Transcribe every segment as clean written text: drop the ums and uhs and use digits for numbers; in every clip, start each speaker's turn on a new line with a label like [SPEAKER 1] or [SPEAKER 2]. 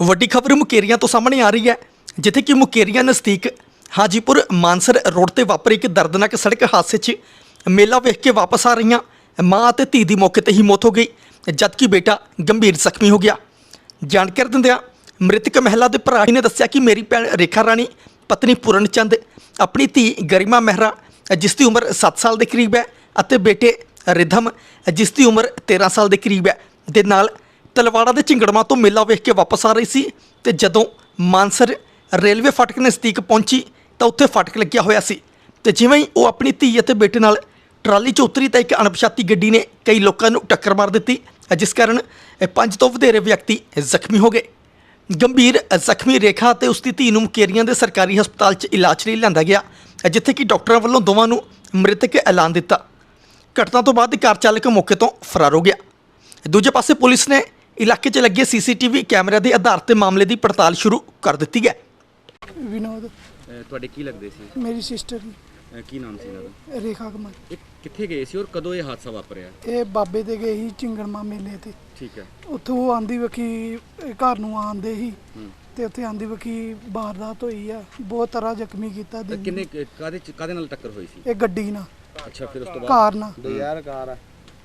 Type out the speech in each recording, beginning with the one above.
[SPEAKER 1] ਵੱਡੀ ਖਬਰ ਮੁਕੇਰੀਆਂ ਤੋਂ ਸਾਹਮਣੇ ਆ ਰਹੀ ਹੈ, ਜਿੱਥੇ ਕਿ ਮੁਕੇਰੀਆਂ ਨਜ਼ਦੀਕ ਹਾਜੀਪੁਰ ਮਾਨਸਰ ਰੋਡ ਤੇ ਵਾਪਰੇ ਇੱਕ ਦਰਦਨਾਕ ਸੜਕ ਹਾਦਸੇ 'ਚ ਮੇਲਾ ਵੇਖ ਕੇ ਵਾਪਸ ਆ ਰਹੀਆਂ ਮਾਂ ਅਤੇ ਧੀ ਦੀ ਮੌਕੇ ਤੇ ਹੀ ਮੌਤ ਹੋ ਗਈ, ਜਦਕਿ ਬੇਟਾ ਗੰਭੀਰ ਜ਼ਖਮੀ ਹੋ ਗਿਆ। ਜਾਣਕਾਰੀ ਦਿੰਦਿਆਂ ਮ੍ਰਿਤਕ ਮਹਿਲਾ ਦੇ ਭਰਾ ਨੇ ਦੱਸਿਆ ਕਿ ਮੇਰੀ ਭੈਣ ਰੇਖਾ ਰਾਣੀ, ਪਤਨੀ ਪੂਰਨ ਚੰਦ, ਆਪਣੀ ਧੀ ਗਰਿਮਾ ਮਹਿਰਾ ਜਿਸ ਦੀ ਉਮਰ 7 ਸਾਲ ਦੇ ਕਰੀਬ ਹੈ ਅਤੇ ਬੇਟੇ ਰਿਧਮ ਜਿਸ ਦੀ ਉਮਰ 13 ਸਾਲ ਦੇ ਕਰੀਬ ਹੈ ਦੇ ਨਾਲ ਤਲਵਾੜਾ ਦੇ ਝਿੰਗੜਮਾ ਤੋਂ ਮੇਲਾ ਵੇਖ ਕੇ ਵਾਪਸ ਆ ਰਹੀ ਸੀ ਤੇ ਜਦੋਂ ਮਾਨਸਰ ਰੇਲਵੇ ਫਾਟਕ ਨਜ਼ਦੀਕ ਪਹੁੰਚੀ ਤਾਂ ਉੱਥੇ ਫਾਟਕ ਲੱਗਿਆ ਹੋਇਆ ਸੀ ਤੇ ਜਿਵੇਂ ਹੀ ਉਹ ਆਪਣੀ ਧੀ ਅਤੇ ਬੇਟੇ ਨਾਲ ਟਰਾਲੀ 'ਚ ਉਤਰੀ ਤਾਂ ਇੱਕ ਅਣਪਛਾਤੀ ਗੱਡੀ ਨੇ ਕਈ ਲੋਕਾਂ ਨੂੰ ਟੱਕਰ ਮਾਰ ਦਿੱਤੀ, ਜਿਸ ਕਾਰਨ 5 ਤੋਂ ਵਧੇਰੇ ਵਿਅਕਤੀ ਜ਼ਖਮੀ ਹੋ ਗਏ। ਗੰਭੀਰ ਜ਼ਖਮੀ ਰੇਖਾ ਅਤੇ ਉਸ ਦੀ ਧੀ ਨੂੰ ਮੁਕੇਰੀਆਂ ਦੇ ਸਰਕਾਰੀ ਹਸਪਤਾਲ 'ਚ ਇਲਾਜ ਲਈ ਲਿਆਂਦਾ ਗਿਆ, ਜਿੱਥੇ ਕਿ ਡਾਕਟਰਾਂ ਵੱਲੋਂ ਦੋਵਾਂ ਨੂੰ ਮ੍ਰਿਤਕ ਐਲਾਨ ਦਿੱਤਾ। ਘਟਨਾ ਤੋਂ ਬਾਅਦ ਕਾਰ ਚਾਲਕ ਮੌਕੇ ਤੋਂ ਫਰਾਰ ਹੋ ਗਿਆ। ਦੂਜੇ ਪਾਸੇ ਪੁਲਿਸ ਨੇ ਇਲਾਕੇ 'ਚ ਲੱਗੇ CCTV ਕੈਮਰਿਆਂ ਦੇ ਆਧਾਰ ਤੇ ਮਾਮਲੇ ਦੀ ਪੜਤਾਲ ਸ਼ੁਰੂ ਕਰ ਦਿੱਤੀ ਹੈ।
[SPEAKER 2] ਵਿਨੋਦ
[SPEAKER 3] ਤੁਹਾਡੇ ਕੀ ਲੱਗਦੇ ਸੀ?
[SPEAKER 2] ਮੇਰੀ ਸਿਸਟਰ
[SPEAKER 3] ਕੀ ਨਾਮ ਸੀ ਇਹਨਾਂ ਦਾ?
[SPEAKER 2] ਰੇਖਾ ਕੁਮਾਰ।
[SPEAKER 3] ਇਹ ਕਿੱਥੇ ਗਏ ਸੀ ਔਰ ਕਦੋਂ ਇਹ ਹਾਦਸਾ ਵਾਪਰਿਆ?
[SPEAKER 2] ਇਹ ਬਾਬੇ ਦੇ ਗਏ ਸੀ ਝਿੰਗੜਮਾ ਮੇਲੇ ਤੇ।
[SPEAKER 3] ਠੀਕ ਹੈ।
[SPEAKER 2] ਉੱਥੋਂ ਆਂਦੀ ਵਕੀ ਘਰ ਨੂੰ ਆਂਦੇ ਸੀ ਤੇ ਉੱਥੇ ਆਂਦੀ ਵਕੀ ਵਾਰਦਾਤ ਹੋਈ ਆ, ਬਹੁਤ ਤਰ੍ਹਾਂ ਜ਼ਖਮੀ ਕੀਤਾ।
[SPEAKER 3] ਕਿੰਨੇ ਕਾਦੇ ਨਾਲ ਟੱਕਰ ਹੋਈ ਸੀ?
[SPEAKER 2] ਇਹ ਗੱਡੀ ਨਾਲ।
[SPEAKER 3] ਅੱਛਾ, ਫਿਰ ਉਸ ਤੋਂ ਬਾਅਦ
[SPEAKER 2] ਕਾਰ ਨਾਲ।
[SPEAKER 3] ਯਾਰ ਕਾਰ ਆ।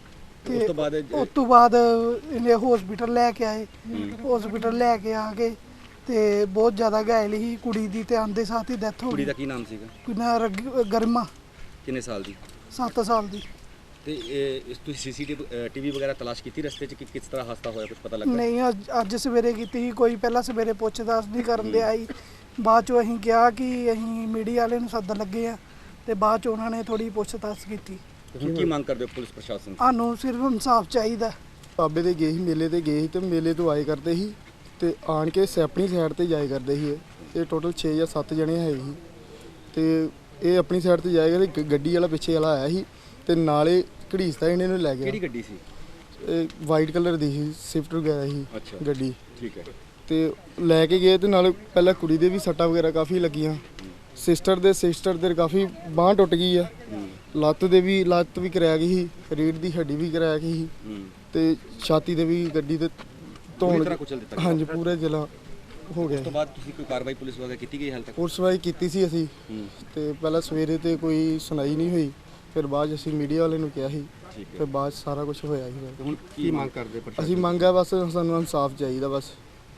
[SPEAKER 2] ਤੇ
[SPEAKER 3] ਉਸ ਤੋਂ ਬਾਅਦ
[SPEAKER 2] ਇਹਨੇ ਹਸਪੀਟਲ ਲੈ ਕੇ ਆਏ। ਹਸਪੀਟਲ ਲੈ ਕੇ ਆ ਕੇ ਤੇ ਬਹੁਤ ਜ਼ਿਆਦਾ ਘਾਇਲ ਸੀ ਕੁੜੀ ਦੀ, ਤੇ ਆਂਦੇ ਸਾਥ ਹੀ ਡੈਥ ਹੋ ਗਈ।
[SPEAKER 3] ਕੁੜੀ ਦਾ ਕੀ ਨਾਮ ਸੀਗਾ?
[SPEAKER 2] ਕੁੜੀ ਗਰਮਾ।
[SPEAKER 3] ਕਿੰਨੇ ਸਾਲ ਦੀ?
[SPEAKER 2] 7 ਸਾਲ ਦੀ।
[SPEAKER 3] ਤੇ ਇਸ ਤੁਸੀਂ CCTV ਵਗੈਰਾ ਤਲਾਸ਼ ਕੀਤੀ ਰਸਤੇ 'ਚ ਕਿ ਕਿਸ ਤਰ੍ਹਾਂ ਹਾਦਸਾ ਹੋਇਆ, ਕੁਝ ਪਤਾ ਲੱਗਾ?
[SPEAKER 2] ਨਹੀਂ, ਅੱਜ ਸਵੇਰੇ ਕੀਤੀ ਸੀ। ਕੋਈ ਪਹਿਲਾਂ ਸਵੇਰੇ ਪੁੱਛ-ਦੱਸ ਨਹੀਂ ਕਰਨ ਦੇ ਆਈ। ਬਾਅਦ 'ਚੋਂ ਅਸੀਂ ਕਿਹਾ ਕਿ ਅਸੀਂ ਮੀਡੀਆ ਵਾਲੇ ਨੂੰ ਸੱਦਣ ਲੱਗੇ ਆ ਤੇ ਬਾਅਦ 'ਚ ਉਹਨਾਂ ਨੇ ਥੋੜੀ ਪੁੱਛ-ਦੱਸ ਕੀਤੀ।
[SPEAKER 3] ਹੁਣ ਕੀ ਮੰਗ ਕਰਦੇ ਹੋ ਪੁਲਿਸ ਪ੍ਰਸ਼ਾਸਨ?
[SPEAKER 2] ਸਾਨੂੰ ਸਿਰਫ ਇਨਸਾਫ ਚਾਹੀਦਾ।
[SPEAKER 4] ਬਾਬੇ ਦੇ ਗਏ ਸੀ, ਮੇਲੇ ਤੇ ਗਏ ਸੀ ਤੇ ਮੇਲੇ ਤੋਂ ਆਏ ਕਰਦੇ ਸੀ ਤੇ ਆਣ ਕੇ ਆਪਣੀ ਸਾਈਡ ਤੇ ਜਾਏ ਕਰਦੇ ਸੀ। ਇਹ ਟੋਟਲ 6 ਜਾਂ 7 ਜਣੇ ਹੈ ਸੀ ਤੇ ਇਹ ਆਪਣੀ ਸਾਈਡ ਤੇ ਜਾਏਗਾ ਤੇ ਗੱਡੀ ਵਾਲਾ ਪਿੱਛੇ ਵਾਲਾ ਆਇਆ ਸੀ ਤੇ ਨਾਲੇ ਘੜੀਸਦਾ ਇਹਨੇ ਨੂੰ ਲੈ ਗਿਆ।
[SPEAKER 3] ਕਿਹੜੀ ਗੱਡੀ ਸੀ?
[SPEAKER 4] ਇਹ ਵਾਈਟ ਕਲਰ ਦੀ ਸੀ, ਸਵਿਫਟ ਵਗੈਰਾ ਸੀ ਗੱਡੀ।
[SPEAKER 3] ਠੀਕ ਹੈ।
[SPEAKER 4] ਤੇ ਲੈ ਕੇ ਗਏ ਤੇ ਨਾਲ ਪਹਿਲਾਂ ਕੁੜੀ ਦੇ ਵੀ ਸੱਟਾਂ ਵਗੈਰਾ ਕਾਫੀ ਲੱਗੀਆਂ। ਸਿਸਟਰ ਦੇ ਕਾਫੀ ਬਾਂਹ ਟੁੱਟ ਗਈ ਆ। ਲੱਤ ਵੀ ਕਰਾਇਆ ਗਈ ਸੀ, ਰੀੜ੍ਹ ਦੀ ਹੱਡੀ ਵੀ ਕਰਾਇਆ ਗਈ ਸੀ ਤੇ ਛਾਤੀ ਦੇ ਵੀ ਗੱਡੀ ਦੇ ਧੌਣ
[SPEAKER 3] ਕੁਚਲ ਦਿੱਤਾ।
[SPEAKER 4] ਹਾਂਜੀ, ਪੂਰੇ ਜ਼ਿਲ੍ਹਾ ਹੋ ਗਿਆ।
[SPEAKER 3] ਉਸ ਤੋਂ ਬਾਅਦ ਤੁਸੀਂ ਕੋਈ ਕਾਰਵਾਈ ਪੁਲਿਸ ਵਗੈਰਾ ਕੀਤੀ ਗਈ ਹਾਲ ਤੱਕ?
[SPEAKER 4] ਪੁਲਿਸ ਵਾਈ ਕੀਤੀ ਸੀ ਅਸੀਂ ਤੇ ਪਹਿਲਾਂ ਸਵੇਰੇ ਤੇ ਕੋਈ ਸੁਣਾਈ ਨਹੀਂ ਹੋਈ, ਫਿਰ ਬਾਅਦ ਅਸੀਂ ਮੀਡੀਆ ਵਾਲੇ ਨੂੰ ਕਿਹਾ ਸੀ ਤੇ ਬਾਅਦ ਸਾਰਾ ਕੁਝ ਹੋਇਆ ਸੀ।
[SPEAKER 3] ਹੁਣ ਕੀ ਮੰਗ ਕਰਦੇ?
[SPEAKER 4] ਅਸੀਂ ਮੰਗ ਹੈ ਬਸ ਸਾਨੂੰ ਇਨਸਾਫ ਚਾਹੀਦਾ, ਬਸ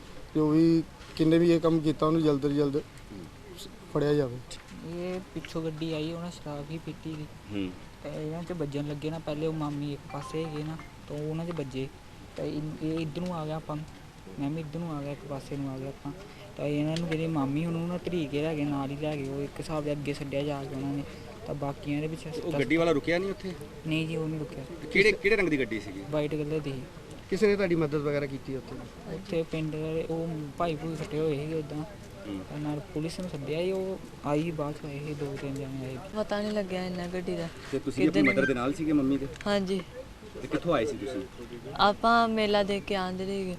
[SPEAKER 4] ਜੋ ਵੀ ਕਿੰਨੇ ਵੀ ਇਹ ਕੰਮ ਕੀਤਾ ਉਹਨੂੰ ਜਲਦ ਤੋਂ ਜਲਦ ਫੜਿਆ ਜਾਵੇ।
[SPEAKER 5] ਇਹ ਪਿੱਛੋਂ ਗੱਡੀ ਆਈ, ਉਹਨਾਂ ਸ਼ਰਾਬ ਹੀ ਪੀਤੀ ਸੀ ਤੇ ਇਹਨਾਂ 'ਚ ਵੱਜਣ ਲੱਗੇ ਨਾ। ਪਹਿਲੇ ਉਹ ਮਾਮੀ ਇੱਕ ਪਾਸੇ ਹੈਗੇ ਨਾ ਤਾਂ ਉਹਨਾਂ 'ਚ ਵੱਜੇ ਤਾਂ ਇਹ ਇੱਧਰ ਨੂੰ ਆ ਗਿਆ, ਆਪਾਂ ਮੈਂ ਵੀ ਇੱਧਰ ਨੂੰ ਆ ਗਿਆ, ਇੱਕ ਪਾਸੇ ਨੂੰ ਆ ਗਿਆ ਆਪਾਂ। ਤਾਂ ਇਹਨਾਂ ਨੂੰ ਜਿਹੜੇ ਮਾਮੀ ਹੁਣ ਉਹਨਾਂ ਤਰੀਕੇ ਲੈ ਗਏ, ਨਾਲ ਹੀ ਲੈ ਗਏ। ਉਹ ਇੱਕ ਹਿਸਾਬ ਦੇ ਅੱਗੇ ਛੱਡਿਆ ਜਾ ਕੇ ਉਹਨਾਂ ਨੇ, ਤਾਂ ਬਾਕੀਆਂ ਦੇ ਪਿੱਛੇ।
[SPEAKER 3] ਉਹ ਗੱਡੀ ਵਾਲਾ ਰੁਕਿਆ ਨਹੀਂ ਉੱਥੇ?
[SPEAKER 5] ਨਹੀਂ ਜੀ, ਉਹ ਨਹੀਂ ਰੁਕਿਆ।
[SPEAKER 3] ਕਿਹੜੇ ਰੰਗ ਦੀ ਗੱਡੀ ਸੀਗੀ?
[SPEAKER 5] ਵਾਈਟ ਕਲਰ ਦੀ ਸੀ।
[SPEAKER 4] ਕਿਸੇ ਨੇ ਤੁਹਾਡੀ ਮਦਦ ਵਗੈਰਾ ਕੀਤੀ
[SPEAKER 5] ਉੱਥੇ ਪਿੰਡ ਦੇ ਉਹ ਭਾਈ ਫੱਟੇ ਹੋਏ ਸੀਗੇ ਉੱਦਾਂ, ਨਾਲ ਪੁਲਿਸ ਨੂੰ ਸੱਦਿਆ ਸੀ। ਉਹ ਆਈ ਬਾਅਦ 'ਚ ਆਏ ਸੀ, 2-3 ਜਣੇ ਆਏ।
[SPEAKER 6] ਪਤਾ ਨਹੀਂ ਲੱਗਿਆ ਇੰਨਾ ਗੱਡੀ ਦਾ।
[SPEAKER 3] ਤੇ ਤੁਸੀਂ ਆਪਣੀ ਮਦਰ ਦੇ ਨਾਲ ਸੀਗੇ, ਮੰਮੀ ਦੇ?
[SPEAKER 6] ਹਾਂਜੀ।
[SPEAKER 3] ਤੇ ਕਿੱਥੋਂ ਆਏ ਸੀ ਤੁਸੀਂ?
[SPEAKER 6] ਆਪਾਂ ਮੇਲਾ ਦੇਖ ਕੇ ਆਂਦੇ ਰਹੇ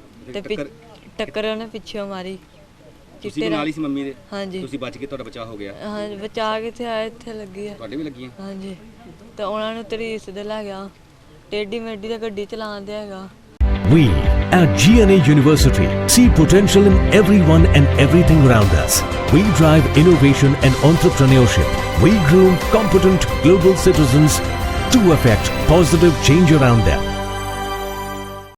[SPEAKER 6] ਤੇ ਟੱਕਰ ਉਹਨੇ ਪਿੱਛੋਂ ਮਾਰੀ।
[SPEAKER 3] ਤੁਸੀਂ ਨਾਲ ਹੀ ਸੀ ਮੰਮੀ ਦੇ?
[SPEAKER 6] ਹਾਂਜੀ।
[SPEAKER 3] ਤੁਸੀਂ ਬਚ ਕੇ, ਤੁਹਾਡਾ ਬਚਾਅ ਹੋ ਗਿਆ?
[SPEAKER 6] ਹਾਂ, ਬਚਾ ਕੇ ਤੇ ਆਏ, ਇੱਥੇ ਲੱਗੀ ਆ।
[SPEAKER 3] ਤੁਹਾਡੇ ਵੀ ਲੱਗੀਆਂ?
[SPEAKER 6] ਹਾਂਜੀ। ਤਾਂ ਉਹਨਾਂ ਨੂੰ ਤਰੀਸ ਦੇ ਲੈ ਗਿਆ, ਟੇਢੀ ਮੇਢੀ ਦਾ ਗੱਡੀ ਚਲਾਉਂਦੇ ਹੈਗਾ।
[SPEAKER 7] We at GNA University see potential in everyone and everything around us. We drive innovation and entrepreneurship. We groom competent global citizens to affect positive change around them.